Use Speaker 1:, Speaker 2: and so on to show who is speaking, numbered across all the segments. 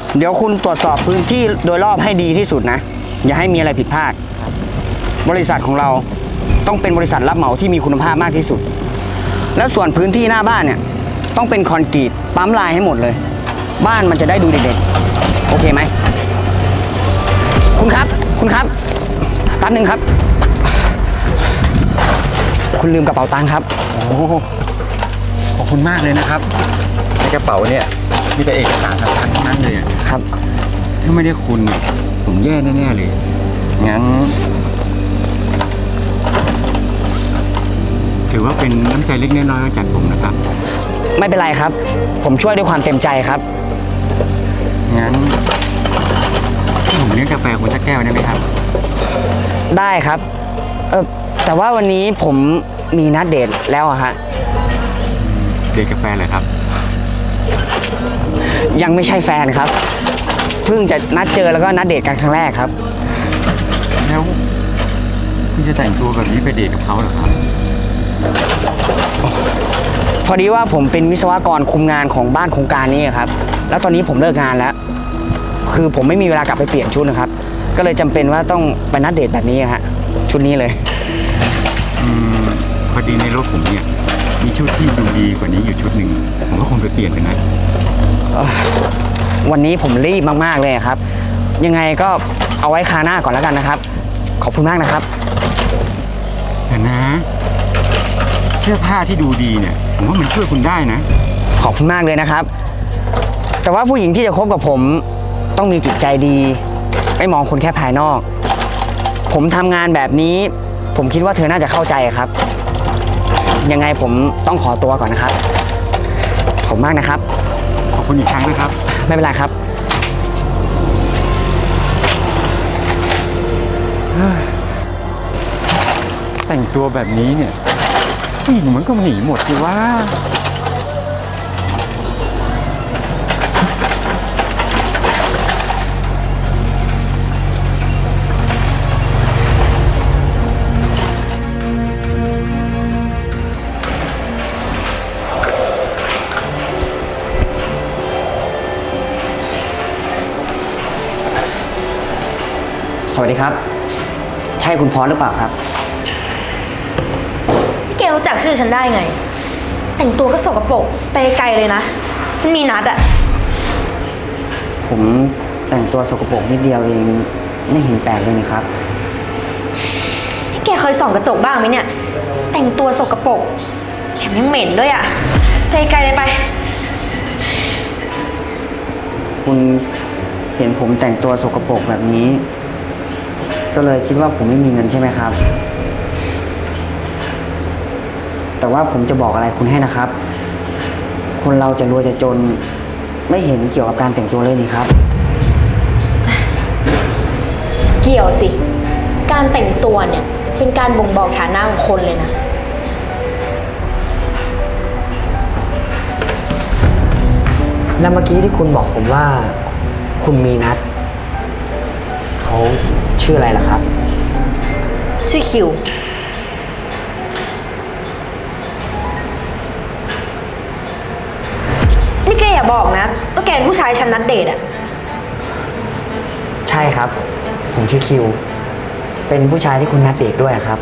Speaker 1: เดี๋ยวคุณตรวจสอบพื้นที่โดยรอบให้ดีที่สุดนะ อย่าให้มีอะไรผิดพลาด บริษัทของเราต้องเป็นบริษัทรับเหมาที่มีคุณภาพมากที่สุด และส่วนพื้นที่หน้าบ้านเนี่ยต้องเป็นคอนกรีตปั๊มลายให้หมดเลย บ้านมันจะได้ดูเด็กๆโอเคไหมคุณครับแป๊บนึงครับ คุณลืมกระเป๋าตังค์ครับ
Speaker 2: โอ้ขอบคุณมากเลยนะครับในกระเป๋าเนี่ยมีแต่เอกสารสำคัญทั้งนั้นเลยอะ
Speaker 1: ครับ
Speaker 2: ถ้าไม่ได้คุณเนี่ยผมแย่แน่ๆเลยงั้นถือว่าเป็นน้ำใจเล็กน้อยๆจากผมนะครับ
Speaker 1: ไม่เป็นไรครับ ผมช่วยด้วยความเต็มใจครับ
Speaker 2: งั้นผมเลี้ยงกาแฟคุณสักแก้วได้ไหมครับ
Speaker 1: ได้ครับแต่ว่าวันนี้ผมมีนัดเดทแล้วอะฮะ
Speaker 2: เดทกาแฟเลยครับ
Speaker 1: ยังไม่ใช่แฟนครับ เพิ่งจะนัดเจอแล้วก็นัดเดทกันครั้งแรกครับ
Speaker 2: แล้วคุณจะแต่งตัวแบบนี้ไปเดทกับเขาเหรอครับ
Speaker 1: พอดีว่าผมเป็นวิศวกรคุมงานของบ้านโครงการนี้ครับ แล้วตอนนี้ผมเลิกงานแล้ว คือผมไม่มีเวลากลับไปเปลี่ยนชุดนะครับ ก็เลยจำเป็นว่าต้องไปนัดเดทแบบนี้ฮะชุดนี้เลย
Speaker 2: พอดีในรถผมเนี่ยมีชุดที่ดูดีกว่านี้อยู่ชุดหนึ่งผมก็คงไปเปลี่ยนกันนะ
Speaker 1: วันนี้ผมรีบมากๆเลยครับ ยังไงก็เอาไว้คราวหน้าก่อนแล้วกันนะครับ ขอบคุณมากนะครับ
Speaker 2: แต่นะ เสื้อผ้าที่ดูดีเนี่ยผมว่ามันช่วยคุณได้นะ
Speaker 1: ขอบคุณมากเลยนะครับ แต่ว่าผู้หญิงที่จะคบกับผมต้องมีจิตใจดี ไม่มองคนแค่ภายนอก ผมทำงานแบบนี้ ผมคิดว่าเธอน่าจะเข้าใจครับ ยังไงผมต้องขอตัวก่อนนะครับ ขอบคุณมากนะครับ
Speaker 2: ขอบคุณอีกครั้งนะครับ
Speaker 1: ไม่เป็นไรครับ
Speaker 2: แต่งตัวแบบนี้เนี่ยผู้หญิงมันก็หนีหมดสิว่า
Speaker 1: สวัสดีครับ ใช่คุณพรหรือเปล่าครับ
Speaker 3: พี่แกรู้จักชื่อฉันได้ไง แต่งตัวก็สกปรกไปไกลเลยนะ ฉันมีนัดอะ
Speaker 1: ผมแต่งตัวสกปรกนิดเดียวเองไม่เห็นแปลกเลยนี่ครับ
Speaker 3: พี่แกเคยส่องกระจกบ้างไหมเนี่ย แต่งตัวสกปรกแถมยังเหม็นด้วยอะไปไกลเลยไป
Speaker 1: คุณเห็นผมแต่งตัวสกปรกแบบนี้ ก็เลยคิดว่าผมไม่มีเงินใช่ไหมครับ แต่ว่าผมจะบอกอะไรคุณให้นะครับ คนเราจะรวยจะจนไม่เห็นเกี่ยวกับการแต่งตัวเลยนี่ครับ
Speaker 3: เกี่ยวสิ การแต่งตัวเนี่ยเป็นการบ่งบอกฐานะของคนเลยนะ
Speaker 1: แล้วเมื่อกี้ที่คุณบอกผมว่า คุณมีนัดเขาชื่ออะไรล่ะครับ
Speaker 3: ชื่อคิว นี่แกอย่าบอกนะว่าแกเป็นผู้ชายฉันนัดเดทอะ
Speaker 1: ใช่ครับ ผมชื่อคิว เป็นผู้ชายที่คุณนัดเดทด้วยครับ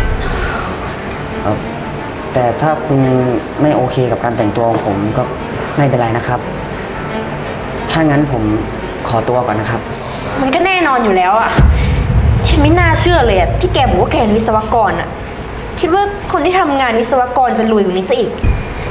Speaker 1: แต่ถ้าคุณไม่โอเคกับการแต่งตัวของผมก็ไม่เป็นไรนะครับ ถ้างั้นผมขอตัวก่อนนะครับ
Speaker 3: มันก็แน่นอนอยู่แล้วอะฉันไม่น่าเชื่อเลยอะที่แกบอกว่าแกเป็นวิศวกรอะคิดว่าคนที่ทำงานวิศวกรจะรวยกว่านี้ซะอีก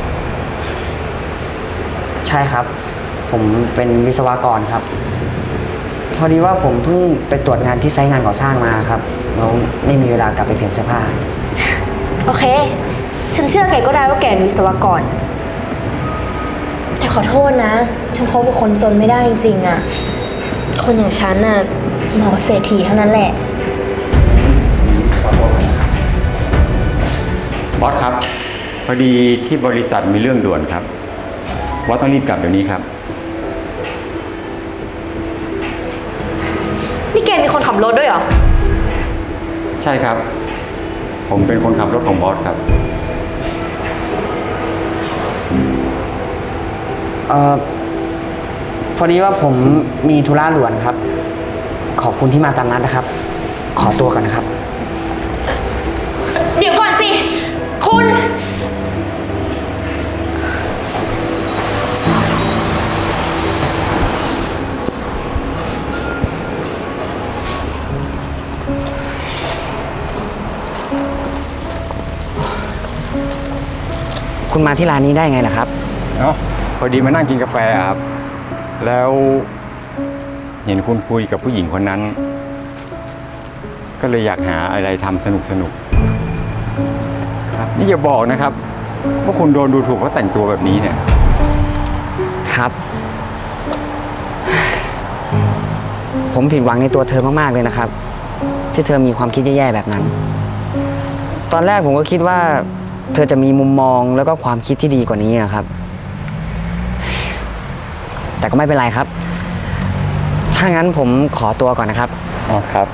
Speaker 1: ใช่ครับ ผมเป็นวิศวกรครับ พอดีว่าผมเพิ่งไปตรวจงานที่ไซต์งานก่อสร้างมาครับแล้วไม่มีเวลากลับไปเปลี่ยนเสื้อผ้า
Speaker 3: โอเค ฉันเชื่อแกก็ได้ว่าแกเป็นวิศวกร แต่ขอโทษนะ ฉันคบกับคนจนไม่ได้จริงๆอะคนอย่างฉันน่ะเหมาะกับเศรษฐีเท่านั้นแหละ
Speaker 2: บอสครับ พอดีที่บริษัทมีเรื่องด่วนครับบอสต้องรีบกลับเดี๋ยวนี้ครับ
Speaker 3: นี่แกมีคนขับรถด้วยเหรอ
Speaker 2: ใช่ครับ ผมเป็นคนขับรถของบอสครับ
Speaker 1: เอ่อพอดีว่าผมมีธุระด่วนครับ ขอบคุณที่มาตามนัดนะครับ ขอตัวก่อนนะครับ
Speaker 3: เดี๋ยวก่อนสิ คุณ
Speaker 1: คุณมาที่ร้านนี้ได้ไงล่ะครับ
Speaker 2: เนาะพอดีมานั่งกินกาแฟอะครับ แล้วเห็นคุณคุยกับผู้หญิงคนนั้น ก็เลยอยากหาอะไรทำสนุกครับนี่อย่าบอกนะครับว่าคุณโดนดูถูกเพราะแต่งตัวแบบนี้เนี่ย
Speaker 1: ครับ ผมผิดหวังในตัวเธอมากๆเลยนะครับ ที่เธอมีความคิดแย่ๆแบบนั้น ตอนแรกผมก็คิดว่าเธอจะมีมุมมองแล้วก็ความคิดที่ดีกว่านี้นะครับ แต่ก็ไม่เป็นไรครับ ถ้างั้นผมขอตัวก่อนนะครับ
Speaker 2: อ๋อครับ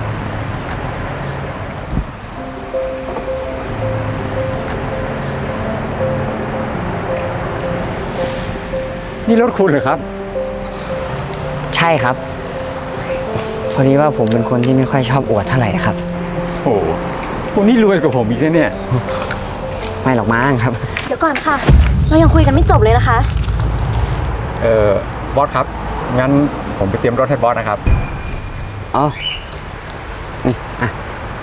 Speaker 2: นี่รถคุณเหรอครับ
Speaker 1: ใช่ครับ พอดีว่าผมเป็นคนที่ไม่ค่อยชอบอวดเท่าไหร่นะครับ
Speaker 2: โอ้โหคุณนี่รวยกว่าผมอีกใช่เนี่ย
Speaker 1: ไม่หรอกมั้งครับ
Speaker 3: เดี๋ยวก่อนค่ะ เรายังคุยกันไม่จบเลยนะคะ
Speaker 2: บอสครับ งั้นผมไปเตรียมรถให้บอสนะครับ
Speaker 1: อ๋อ นี่อ่ะ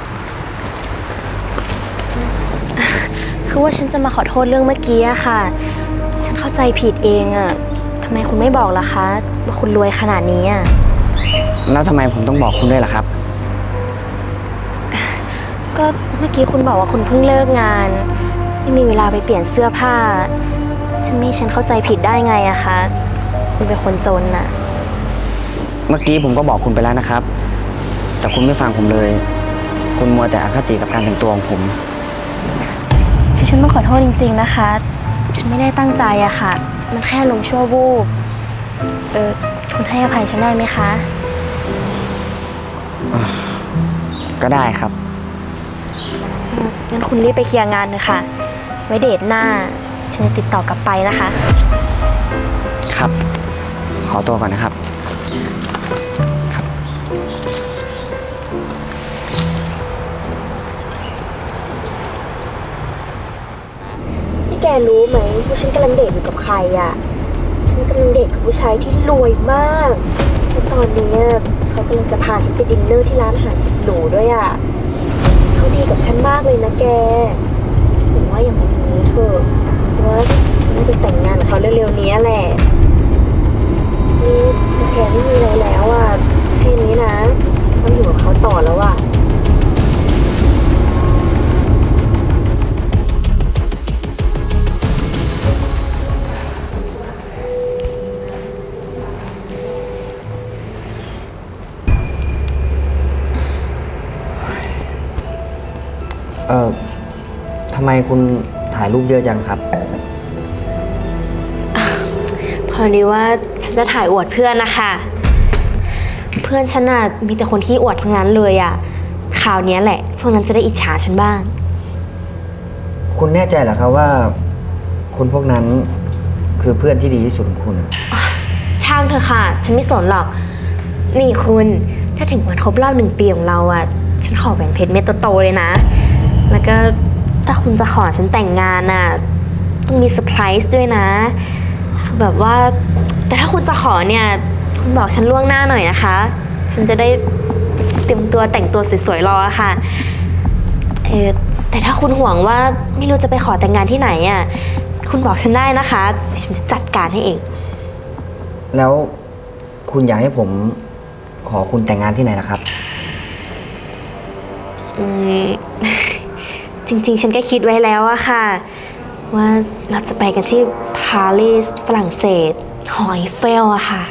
Speaker 3: คือว่าฉันจะมาขอโทษเรื่องเมื่อกี้อะค่ะ ฉันเข้าใจผิดเองอะทำไมคุณไม่บอกล่ะคะว่าคุณรวยขนาดนี้อะ
Speaker 1: แล้วทำไมผมต้องบอกคุณด้วยล่ะครับ
Speaker 3: ก็เมื่อกี้คุณบอกว่าคุณเพิ่งเลิกงาน ไม่มีเวลาไปเปลี่ยนเสื้อผ้าจะไม่ให้ฉันเข้าใจผิดได้ไงอะคะ คุณเป็นคนจนน่ะ
Speaker 1: เมื่อกี้ผมก็บอกคุณไปแล้วนะครับ แต่คุณไม่ฟังผมเลย คุณมัวแต่อคติกับการแต่งตัวของผม
Speaker 3: คือฉันต้องขอโทษจริงๆนะคะ ฉันไม่ได้ตั้งใจอะค่ะ มันแค่ลงชั่ววูบคุณให้อภัยฉันได้ไหมคะ
Speaker 1: ก็ได้ครับ
Speaker 3: งั้นคุณรีบไปเคลียร์งานเลยค่ะ ไว้เดทหน้า ฉันจะติดต่อกลับไปนะคะ
Speaker 1: ครับ ขอตัวก่อนนะครับ
Speaker 3: นี่แกรู้ไหมว่าฉันกำลังเดทอยู่กับใครอะฉันกำลังเดทกับผู้ชายที่รวยมากและตอนนี้เขากำลังจะพาฉันไปดินเนอร์ที่ร้านอาหารสุดหรูด้วยอะเขาดีกับฉันมากเลยนะแกหรือว่าอย่างแบบนี้เถอะเพราะว่าฉันน่าจะแต่งงานกับเขาเร็วๆนี้แหละนี่แต่แกไม่มีอะไรแล้วอะแค่นี้นะฉันต้องอยู่กับเขาต่อแล้วอะ
Speaker 1: ทำไมคุณถ่ายรูปเยอะจังครับ
Speaker 3: พอดีว่าฉันจะถ่ายอวดเพื่อนนะคะ เพื่อนฉันน่ะมีแต่คนขี้อวดทั้งนั้นเลยอะข่าวเนี้ยแหละพวกนั้นจะได้อิจฉาฉันบ้าง
Speaker 1: คุณแน่ใจเหรอครับว่าคนพวกนั้นคือเพื่อนที่ดีที่สุดของคุณ
Speaker 3: ช่างเธอะค่ะ ฉันไม่สนหรอก นี่คุณถ้าถึงวันครบรอบ1 ปีของเราอะฉันขอแหวนเพชรเม็ดโตๆเลยนะ แล้วก็ถ้าคุณจะขอฉันแต่งงานอะต้องมีเซอร์ไพรส์ด้วยนะคือแบบว่าแต่ถ้าคุณจะขอเนี่ยคุณบอกฉันล่วงหน้าหน่อยนะคะ ฉันจะได้เตรียมตัวแต่งตัวสวยๆรอค่ะแต่ถ้าคุณห่วงว่าไม่รู้จะไปขอแต่งงานที่ไหนอะคุณบอกฉันได้นะคะฉันจะจัดการให้เอง
Speaker 1: แล้วคุณอยากให้ผมขอคุณแต่งงานที่ไหนล่ะครับ
Speaker 3: จริงๆ ฉันก็คิดไว้แล้วอะค่ะ ว่าเราจะไปกันที่ปารีสฝรั่งเศสหอไอเฟลอะค่ะ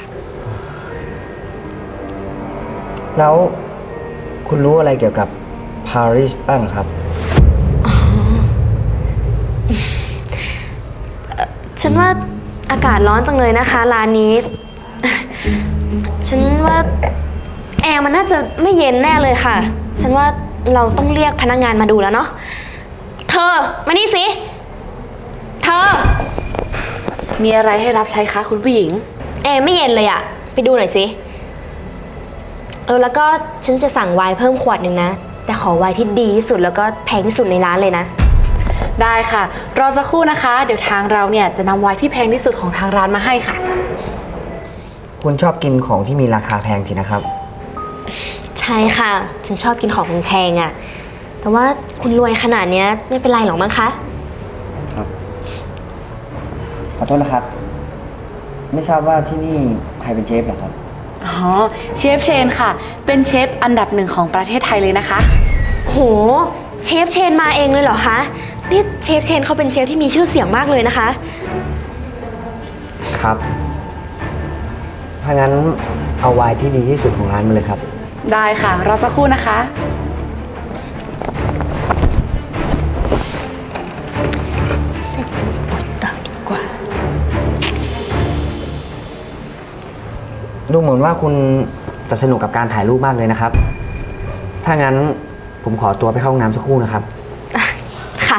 Speaker 1: แล้วคุณรู้อะไรเกี่ยวกับปารีสบ้างครับ
Speaker 3: ฉันว่าอากาศร้อนจังเลยนะคะร้านนี้ ฉันว่าแอร์มันน่าจะไม่เย็นแน่เลยค่ะ ฉันว่าเราต้องเรียกพนักงานมาดูแล้วเนาะ เธอมานี่สิ เธอ
Speaker 4: มีอะไรให้รับใช้คะคุณผู้หญิง
Speaker 3: แอร์ไม่เย็นเลยอะไปดูหน่อยสิแล้วก็ฉันจะสั่งไวน์เพิ่มขวดหนึ่งนะ แต่ขอไวน์ที่ดีที่สุดแล้วก็แพงที่สุดในร้านเลยนะ
Speaker 4: ได้ค่ะ รอสักครู่นะคะ เดี๋ยวทางเราเนี่ยจะนำไวน์ที่แพงที่สุดของทางร้านมาให้ค่ะ
Speaker 1: คุณชอบกินของที่มีราคาแพงสินะครับ
Speaker 3: ใช่ค่ะ ฉันชอบกินของแพงๆอะแต่ว่าคุณรวยขนาดเนี้ยไม่เป็นไรหรอกมั้งคะ
Speaker 1: ขอโทษนะครับ ไม่ทราบว่าที่นี่ใครเป็นเชฟเหรอครับ
Speaker 4: อ๋อ เชฟเชนค่ะ เป็นเชฟอันดับ1ของประเทศไทยเลยนะคะ
Speaker 3: โห เชฟเชนมาเองเลยเหรอคะ นี่เชฟเชนเขาเป็นเชฟที่มีชื่อเสียงมากเลยนะคะ
Speaker 1: ครับ ถ้างั้นเอาไวน์ที่ดีที่สุดของร้านมาเลยครับ
Speaker 4: ได้ค่ะ รอสักครู่นะคะ
Speaker 3: ต่อดีกว่า
Speaker 1: ดูเหมือนว่าคุณจะสนุกกับการถ่ายรูปมากเลยนะครับ ถ้างั้นผมขอตัวไปเข้าห้องน้ำสักครู่นะครับ
Speaker 3: ค่ะ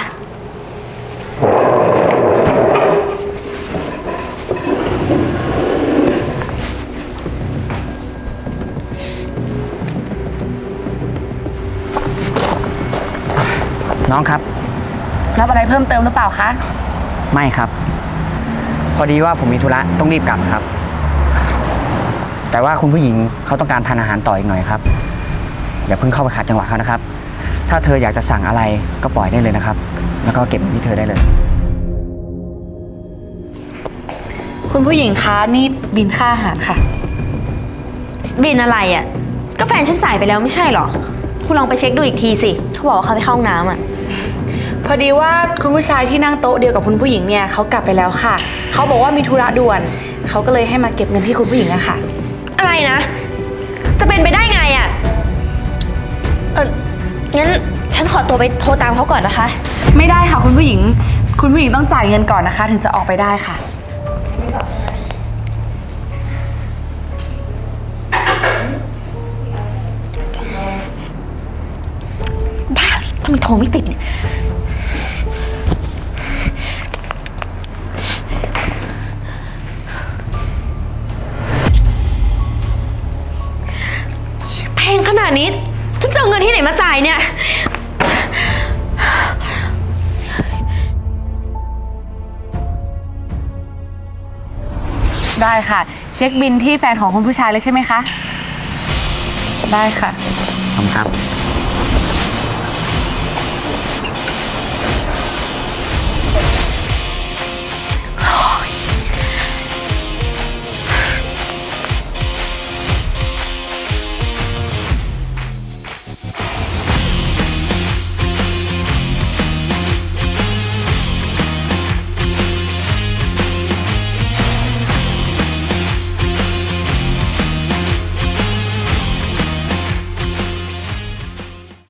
Speaker 1: น้องครับ
Speaker 4: รับอะไรเพิ่มเติมหรือเปล่าคะ
Speaker 1: ไม่ครับ พอดีว่าผมมีธุระต้องรีบกลับครับ แต่ว่าคุณผู้หญิงเขาต้องการทานอาหารต่ออีกหน่อยครับ อย่าเพิ่งเข้าไปขัดจังหวะเขานะครับ ถ้าเธออยากจะสั่งอะไรก็ปล่อยได้เลยนะครับ แล้วก็เก็บเงินที่เธอได้เลย
Speaker 4: คุณผู้หญิงคะนี่บินค่าอาหารค่ะ
Speaker 3: บินอะไรอะ่ะก็แฟนฉันจ่ายไปแล้วไม่ใช่เหรอ คุณลองไปเช็คดูอีกทีสิ เขาบอกว่าเขาไปเข้าห้องน้ำอ่ะ
Speaker 4: พอดีว่าคุณผู้ชายที่นั่งโต๊ะเดียวกับคุณผู้หญิงเนี่ยเขากลับไปแล้วค่ะ เขาบอกว่ามีธุระด่วน เขาก็เลยให้มาเก็บเงินที่คุณผู้หญิงอะค่ะ
Speaker 3: อะไรนะ จะเป็นไปได้ไงอะ่ะ งั้นฉันขอตัวไปโทรตามเขาก่อนนะคะ
Speaker 4: ไม่ได้ค่ะคุณผู้หญิง คุณผู้หญิงต้องจ่ายเงินก่อนนะคะ ถึงจะออกไปได้ค่ะ
Speaker 3: บ้าทำไมโทรไม่ติดเนี่ย แพงขนาดนี้ ฉันจะเอาเงินที่ไหนมาจ่ายเนี่ย
Speaker 4: ได้ค่ะ เช็คบินที่แฟนของคุณผู้ชายเลยใช่ไหมคะ ได้ค่ะ
Speaker 1: ขอบคุณครับ